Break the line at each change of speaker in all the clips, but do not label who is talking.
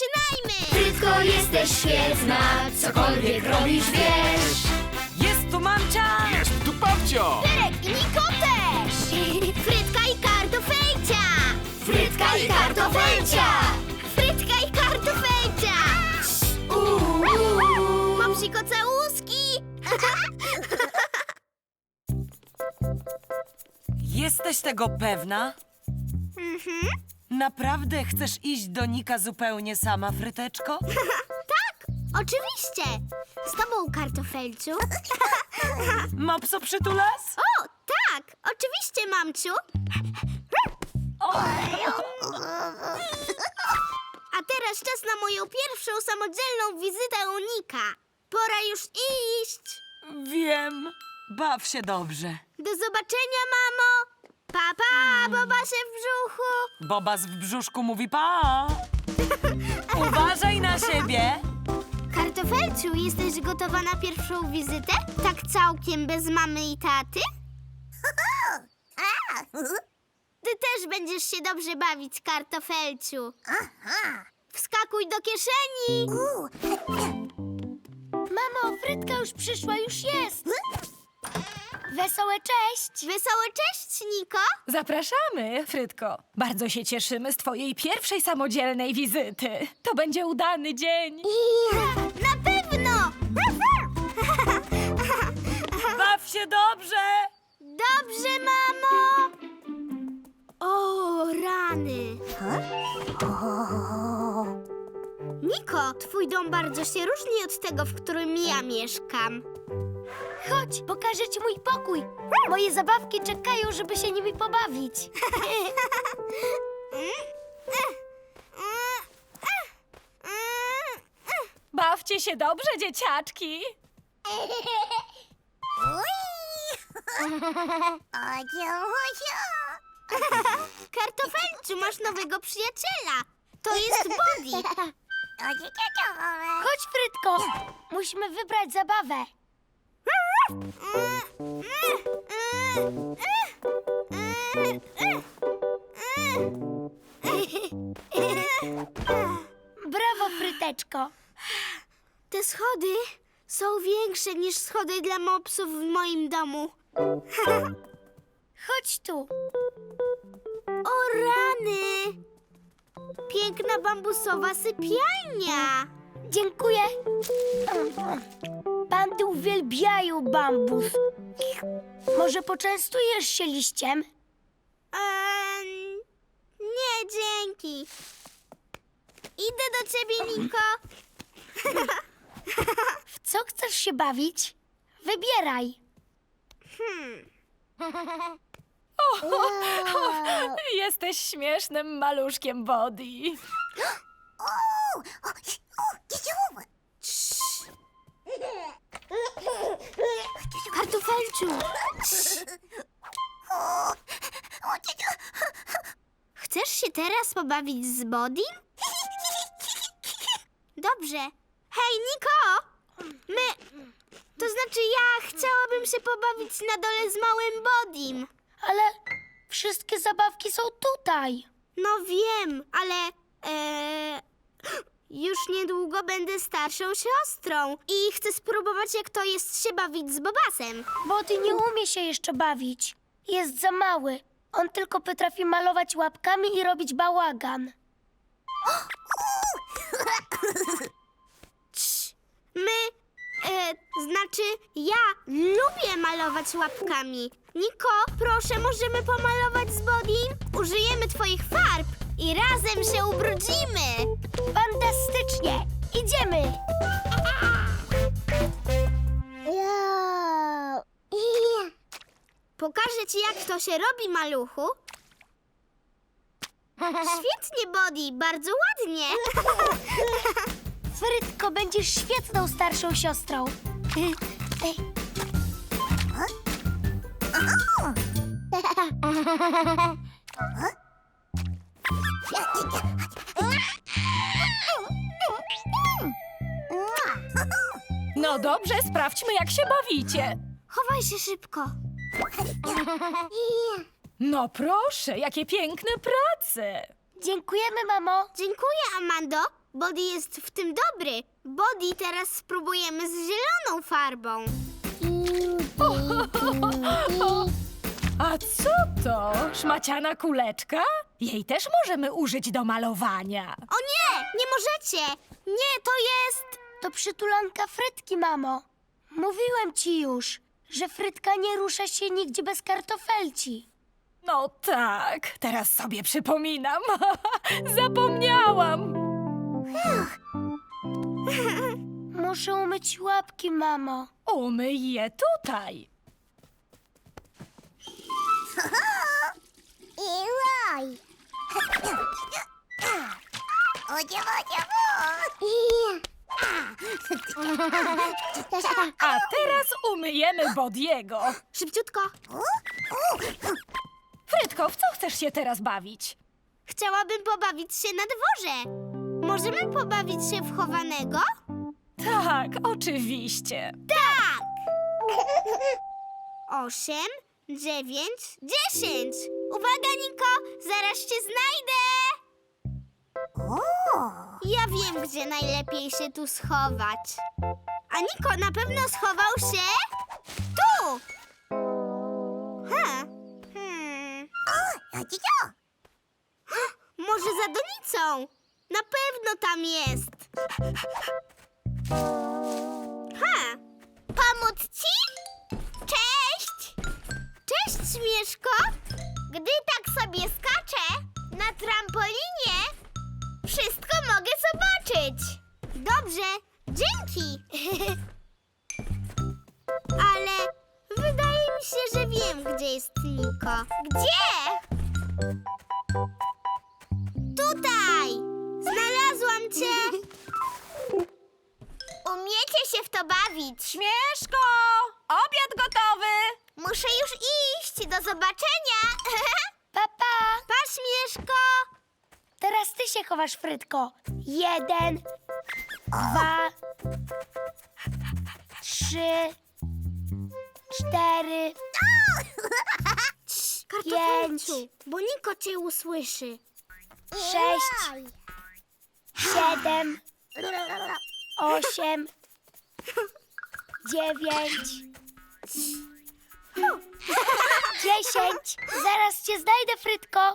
zaczynajmy!
Frytko, jesteś świetna, cokolwiek robisz, wiesz.
Jest tu mamcia!
Jest tu babcio!
Pyrek i Niko też! Frytka i kartofelcia!
Frytka i kartofelcia!
Frytka i kartofelcia! Mopsiko całuski!
Jesteś tego pewna? Naprawdę chcesz iść do Nika zupełnie sama, Fryteczko?
Tak, oczywiście! Z tobą, kartofelciu.
Mopso przytulas?
O, tak, oczywiście, mamciu. A teraz czas na moją pierwszą samodzielną wizytę u Nika. Pora już iść.
Wiem. Baw się dobrze.
Do zobaczenia, mamo. Pa, pa, Bobasie w brzuchu.
Bobas w brzuszku mówi pa. Uważaj na siebie.
Kartofelciu, jesteś gotowa na pierwszą wizytę? Tak całkiem bez mamy i taty? Ty też będziesz się dobrze bawić, kartofelciu. Wskakuj do kieszeni. Mamo, Frytka już przyszła, już jest. Wesołe cześć. Wesołe cześć, Niko.
Zapraszamy, Frytko. Bardzo się cieszymy z twojej pierwszej samodzielnej wizyty. To będzie udany dzień.
Na pewno.
Baw się dobrze.
Dobrze, mamo. O, rany. Niko, twój dom bardzo się różni od tego, w którym ja mieszkam. Chodź, pokażę ci mój pokój. Moje zabawki czekają, żeby się nimi pobawić.
Bawcie się dobrze, dzieciaczki.
Kartofelciu, masz nowego przyjaciela. To jest Bobby. Chodź, Frytko. Musimy wybrać zabawę. Brawo, Fryteczko. Te schody są większe niż schody dla mopsów w moim domu. Chodź tu. O rany! Piękna bambusowa sypialnia. Dziękuję. Bandy uwielbiają bambus. Może poczęstujesz się liściem? Nie, dzięki. Idę do ciebie, Niko. W co chcesz się bawić? Wybieraj.
Jesteś śmiesznym maluszkiem, Body.
Kartofelciu. Chcesz się teraz pobawić z Bodim? Dobrze. Hej, Niko! To znaczy ja chciałabym się pobawić na dole z małym Bodim. Ale wszystkie zabawki są tutaj. No wiem, ale... Już niedługo będę starszą siostrą i chcę spróbować, jak to jest się bawić z Bobasem. Body nie umie się jeszcze bawić. Jest za mały. On tylko potrafi malować łapkami i robić bałagan. Znaczy ja lubię malować łapkami. Niko, proszę, możemy pomalować z Bodim? Użyjemy twoich farb i razem się ubrudzimy. Fantastycznie! Idziemy! Pokażę ci, jak to się robi, maluchu. Świetnie, Body, bardzo ładnie. Frytko, będziesz świetną starszą siostrą.
No dobrze, sprawdźmy, jak się bawicie.
Chowaj się szybko.
No proszę, jakie piękne prace.
Dziękujemy, mamo. Dziękuję, Amando. Body jest w tym dobry. Body teraz spróbujemy z zieloną farbą.
A co to? Szmaciana kuleczka? Jej też możemy użyć do malowania.
O nie, nie możecie. Nie, to jest...
To przytulanka Frytki, mamo. Mówiłem ci już, że Frytka nie rusza się nigdzie bez kartofelci.
No tak, teraz sobie przypominam. Zapomniałam.
Muszę umyć łapki, mamo.
Umyj je tutaj. A teraz umyjemy Bodiego.
Szybciutko.
Frytko, w co chcesz się teraz bawić?
Chciałabym pobawić się na dworze. Możemy pobawić się w chowanego?
Tak, oczywiście.
Tak! 8, 9, 10. Uwaga, Niko, zaraz cię znajdę. Ja wiem, gdzie najlepiej się tu schować. A Niko na pewno schował się tu. Może za donicą? Na pewno tam jest. Pomóc ci? Cześć! Cześć, Śmieszko! Gdy tak sobie skaczę na trampolinie, wszystko mogę zobaczyć. Dobrze, dzięki. Ale wydaje mi się, że wiem, gdzie jest Niko. Gdzie? Tutaj! Znalazłam cię! Umiecie się w to bawić.
Śmieszko! Obiad gotowy!
Muszę już iść. Do zobaczenia.
Papa,
Pa, Śmieszko.
teraz ty się chowasz, Frytko. 1, 2, 3, 4,
Kartofelciu, bo Niko cię usłyszy.
6, 7, 8, 9, 10. Zaraz cię znajdę, Frytko.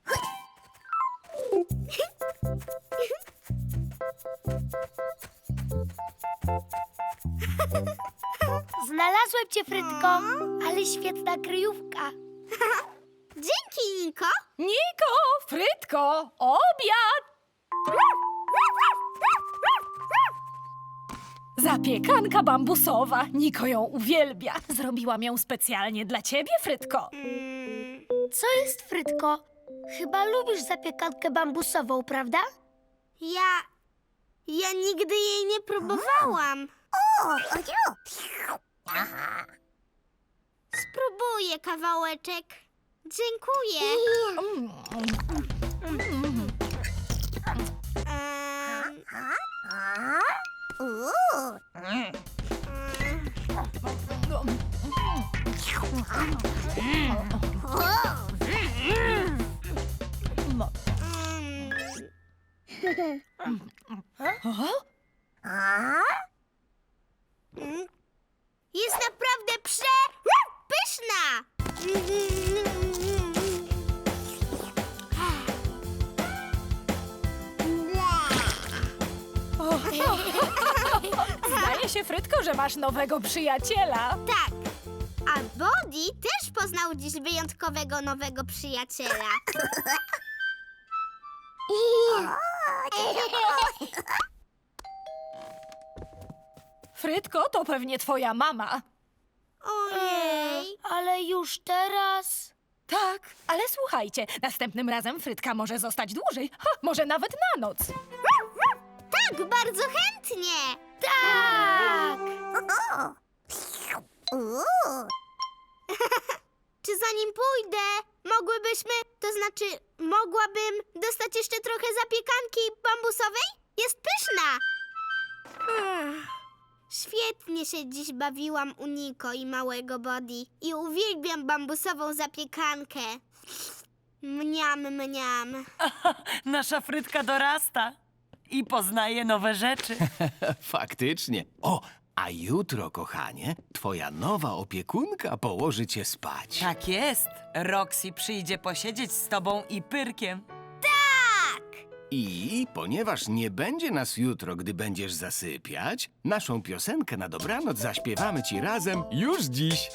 Znalazłem cię, Frytko, ale świetna kryjówka.
Dzięki, Niko.
Niko, Frytko, obiad! Zapiekanka bambusowa. Niko ją uwielbia. Zrobiłam ją specjalnie dla ciebie, Frytko.
Co jest, Frytko? Chyba lubisz zapiekankę bambusową, prawda?
Ja nigdy jej nie próbowałam. Spróbuję kawałeczek. Dziękuję. Jest naprawdę pyszna.
Zdaje się, Frytko, że masz nowego przyjaciela.
Tak. A Body też poznał dziś wyjątkowego nowego przyjaciela.
Frytko, to pewnie twoja mama.
Ojej.
Ale już teraz...
Tak, ale słuchajcie, następnym razem Frytka może zostać dłużej, może nawet na noc.
Tak, bardzo chętnie.
Tak!
Czy zanim pójdę, mogłabym dostać jeszcze trochę zapiekanki bambusowej? Jest pyszna. Świetnie się dziś bawiłam u Niko i małego Body i uwielbiam bambusową zapiekankę. Mniam, mniam.
Nasza Frytka dorasta. i poznaje nowe rzeczy.
Faktycznie. O, a jutro, kochanie, twoja nowa opiekunka położy cię spać.
Tak jest. Roxy przyjdzie posiedzieć z tobą i Pyrkiem.
I ponieważ nie będzie nas jutro, gdy będziesz zasypiać, naszą piosenkę na dobranoc zaśpiewamy ci razem już dziś.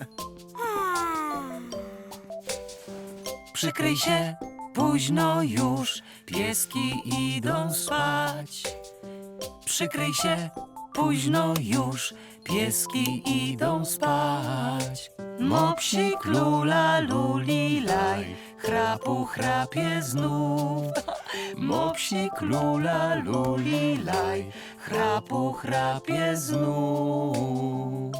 Przykryj się, późno już, pieski idą spać. Przykryj się, późno już, pieski idą spać. Mopsik lula lulilaj, chrapu chrapie znów. Mopsik lula lulilaj, chrapu chrapie znów.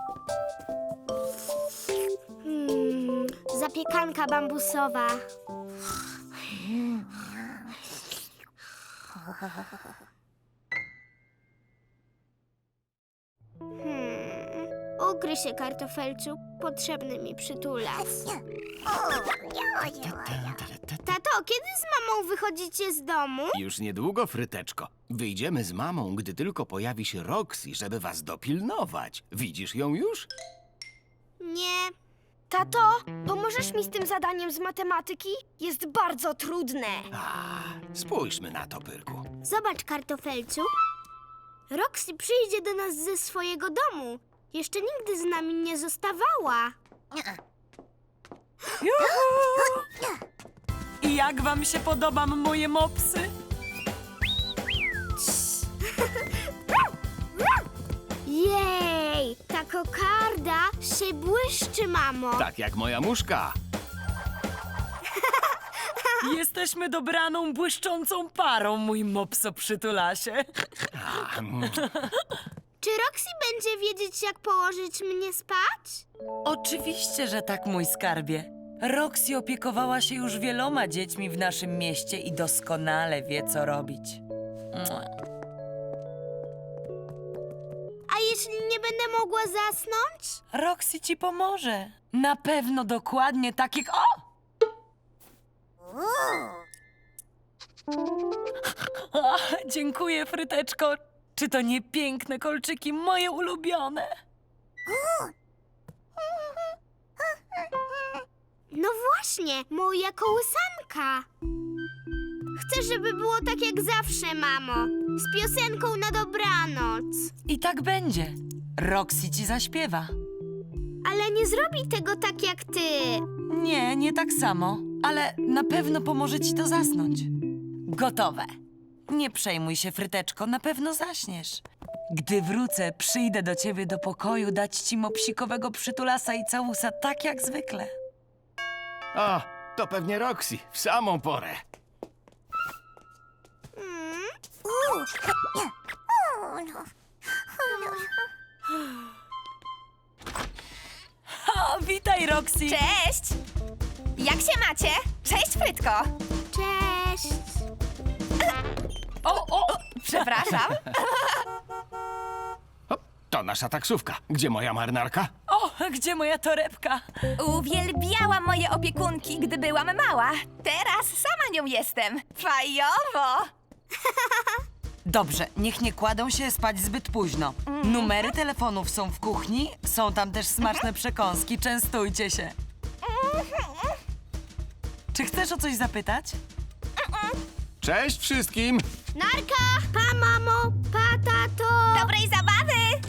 Zapiekanka bambusowa. Ukryj się, kartofelciu. Potrzebny mi przytulas. Tato, kiedy z mamą wychodzicie z domu?
Już niedługo, Fryteczko. Wyjdziemy z mamą, gdy tylko pojawi się Roxy, żeby was dopilnować. Widzisz ją już?
Nie.
Tato, pomożesz mi z tym zadaniem z matematyki? Jest bardzo trudne.
Spójrzmy na to, Pyrku.
Zobacz, kartofelciu. Roxy przyjdzie do nas ze swojego domu. Jeszcze nigdy z nami nie zostawała.
I jak wam się podobam moje mopsy?
Jej, ta kokarda się błyszczy, mamo.
Tak jak moja muszka.
Jesteśmy dobraną, błyszczącą parą, mój mopso przytulasie.
Czy Roxy będzie wiedzieć, jak położyć mnie spać?
Oczywiście, że tak, mój skarbie. Roxy opiekowała się już wieloma dziećmi w naszym mieście i doskonale wie, co robić. Mua.
A jeśli nie będę mogła zasnąć?
Roxy ci pomoże. Na pewno dokładnie tak jak... O! Ach, dziękuję, Fryteczko. Czy to nie piękne kolczyki, moje ulubione?
No właśnie, moja kołysanka. Chcę, żeby było tak jak zawsze, mamo. Z piosenką na dobranoc.
I tak będzie. Roxy ci zaśpiewa.
Ale nie zrobi tego tak jak ty.
Nie, nie tak samo, ale na pewno pomoże ci to zasnąć. Gotowe. Nie przejmuj się, Fryteczko, na pewno zaśniesz. Gdy wrócę, przyjdę do ciebie do pokoju dać ci mopsikowego przytulasa i całusa, tak jak zwykle.
O, to pewnie Roxy, w samą porę.
O, witaj, Roxy!
Cześć! Jak się macie? Cześć, Frytko!
Cześć.
O!
Przepraszam.
O, to nasza taksówka. Gdzie moja marynarka?
O, gdzie moja torebka?
Uwielbiałam moje opiekunki, gdy byłam mała. Teraz sama nią jestem. Fajowo!
Dobrze, niech nie kładą się spać zbyt późno. Numery telefonów są w kuchni, są tam też smaczne przekąski, częstujcie się. Czy chcesz o coś zapytać?
Cześć wszystkim!
Narka! Pa, mamo! Pa, tato!
Dobrej zabawy!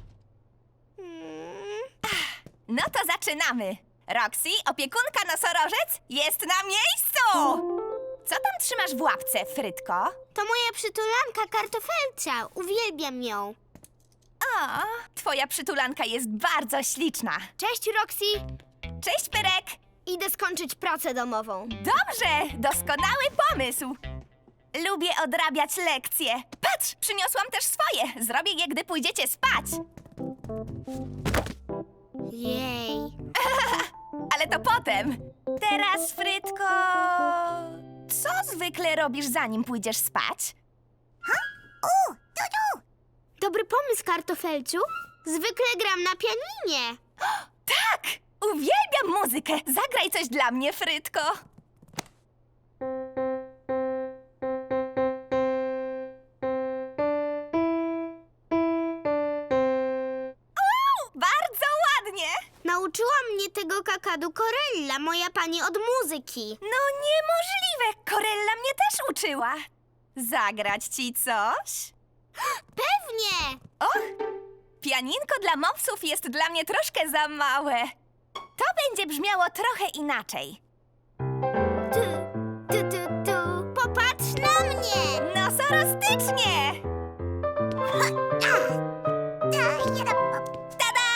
Mm.
No to zaczynamy. Roxy, opiekunka nosorożec, jest na miejscu! Co tam trzymasz w łapce, Frytko?
To moja przytulanka kartofelcia. Uwielbiam ją.
O, twoja przytulanka jest bardzo śliczna.
Cześć, Roxy.
Cześć, Pyrek!
Idę skończyć pracę domową.
Dobrze, doskonały pomysł. Lubię odrabiać lekcje. Patrz, przyniosłam też swoje. Zrobię je, gdy pójdziecie spać.
Jej.
Ale to potem. Teraz, Frytko... Co zwykle robisz, zanim pójdziesz spać?
Dobry pomysł, kartofelciu. Zwykle gram na pianinie.
Tak! Uwielbiam muzykę. Zagraj coś dla mnie, Frytko.
Nauczyła mnie tego kakadu Corella, moja pani od muzyki.
No niemożliwe! Corella mnie też uczyła. Zagrać ci coś?
Pewnie!
Och, pianinko dla mopsów jest dla mnie troszkę za małe. To będzie brzmiało trochę inaczej.
Popatrz na mnie!
Nosorostycznie! Tada!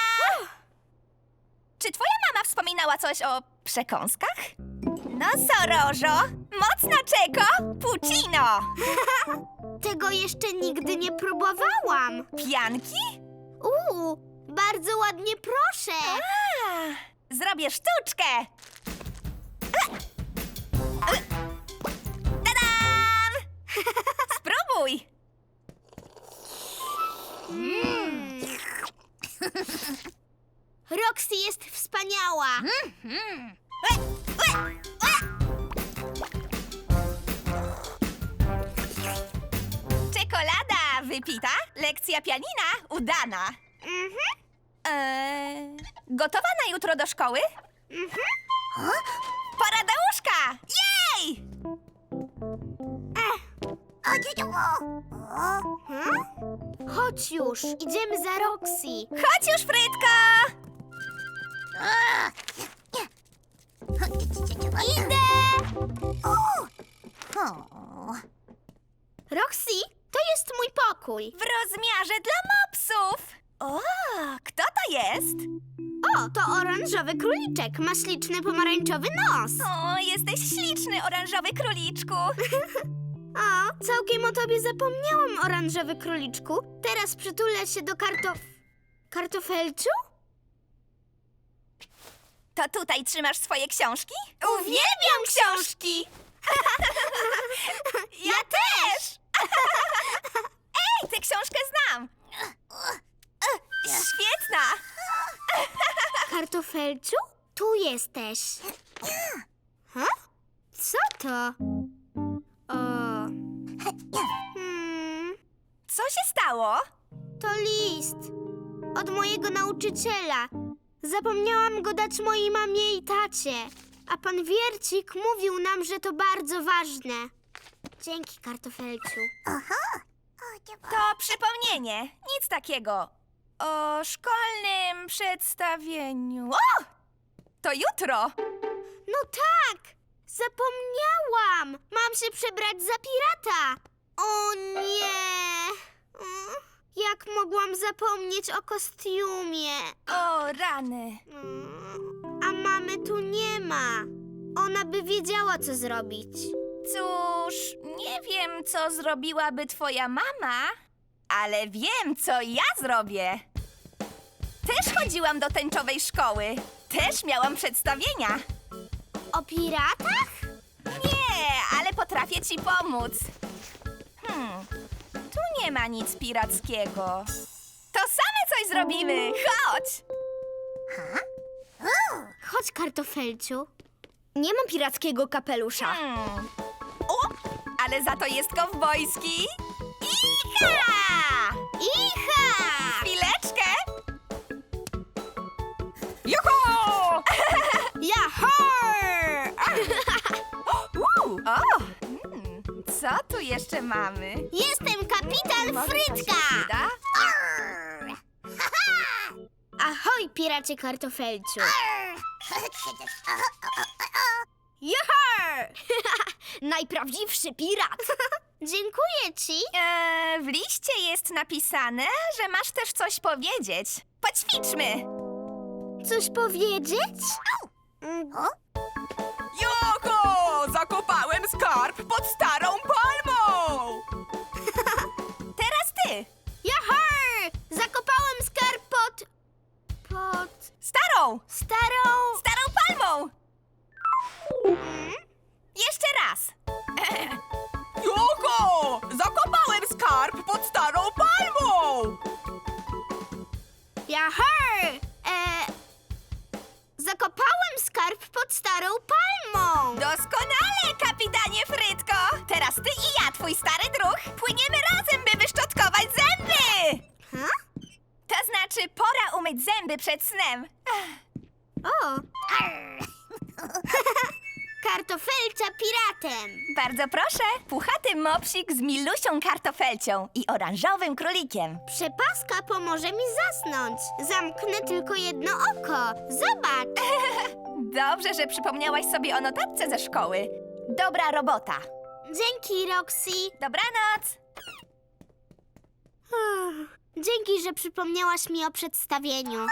Czy twoja mama wspominała coś o przekąskach? Nosorożo, mocna czeko, puccino!
Tego jeszcze nigdy nie próbowałam.
Pianki?
Bardzo ładnie, proszę.
Zrobię sztuczkę! Tadam! Spróbuj!
Roxy jest wspaniała.
Czekolada wypita, lekcja pianina udana. Gotowa na jutro do szkoły? Pora do łóżka! Jej!
Chodź już, idziemy za Roxy.
Chodź już, Frytko!
Idę! Roxy, to jest mój pokój.
W rozmiarze dla mopsów! O, kto to jest?
O, to oranżowy króliczek. Ma śliczny pomarańczowy nos.
O, jesteś śliczny, oranżowy króliczku.
O, całkiem o tobie zapomniałam, oranżowy króliczku. Teraz przytulę się do kartofelciu?
To tutaj trzymasz swoje książki? Uwielbiam książki! Ja też! Ej, tę książkę znam! Świetna!
Kartofelciu? Tu jesteś. Co to?
Co się stało?
To list. Od mojego nauczyciela. Zapomniałam go dać mojej mamie i tacie. A pan Wiercik mówił nam, że to bardzo ważne. Dzięki, kartofelciu.
To przypomnienie. Nic takiego. O szkolnym przedstawieniu. O! To jutro!
No tak! Zapomniałam! Mam się przebrać za pirata! O nie! Jak mogłam zapomnieć o kostiumie?
O rany.
A mamy tu nie ma. Ona by wiedziała, co zrobić.
Cóż, nie wiem, co zrobiłaby twoja mama, ale wiem, co ja zrobię. Też chodziłam do tęczowej szkoły. Też miałam przedstawienia.
O piratach?
Nie, ale potrafię ci pomóc. Tu nie ma nic pirackiego. To same coś zrobimy. Chodź!
Chodź, kartofelciu. Nie mam pirackiego kapelusza.
O, ale za to jest kowbojski. Icha!
Icha!
Chwileczkę!
Juhu!
Jahar!
Co tu jeszcze mamy?
Jestem kapitan Frytka!
Da?
Ahoj, piracie kartofelciu. Jahar! Najprawdziwszy pirat. Dziękuję ci.
W liście jest napisane, że masz też coś powiedzieć. Poćwiczmy!
Coś powiedzieć?
Joko! Zakopałem skarb pod starą palmą!
Teraz ty!
Jahar! Zakopałem skarb pod
Starą!
starą...
Starą palmą! Jeszcze raz!
Joko! Zakopałem skarb pod starą palmą!
Jahar! Zakopałem skarb pod starą palmą.
Doskonale, kapitanie Frytko! Teraz ty i ja, twój stary druh, płyniemy razem, by wyszczotkować zęby! To znaczy, pora umyć zęby przed snem.
O! Kartofelcia piratem.
Bardzo proszę, puchaty mopsik z Milusią kartofelcią i oranżowym królikiem.
Przepaska pomoże mi zasnąć. Zamknę tylko jedno oko. Zobacz.
Dobrze, że przypomniałaś sobie o notatce ze szkoły. Dobra robota.
Dzięki, Roxy.
Dobranoc.
Dzięki, że przypomniałaś mi o przedstawieniu.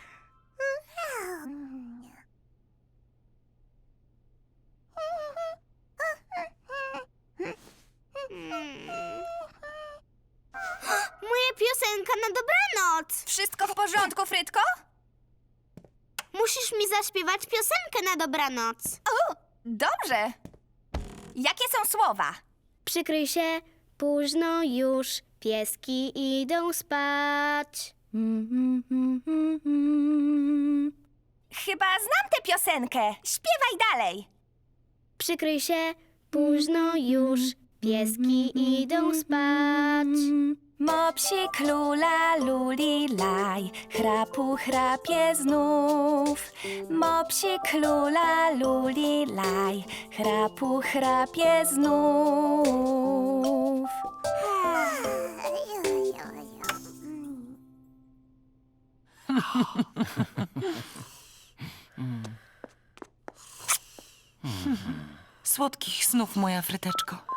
Moja piosenka na dobranoc.
Wszystko w porządku, Frytko?
Musisz mi zaśpiewać piosenkę na dobranoc.
O, dobrze. Jakie są słowa?
Przykryj się, późno już, pieski idą spać.
Chyba znam tę piosenkę. Śpiewaj dalej.
Przykryj się, późno już, pieski idą spać.
Mopsik lula luli laj, chrapu chrapie znów. Mopsik lula luli laj, chrapu chrapie znów.
Słodkich snów, moja fryteczko.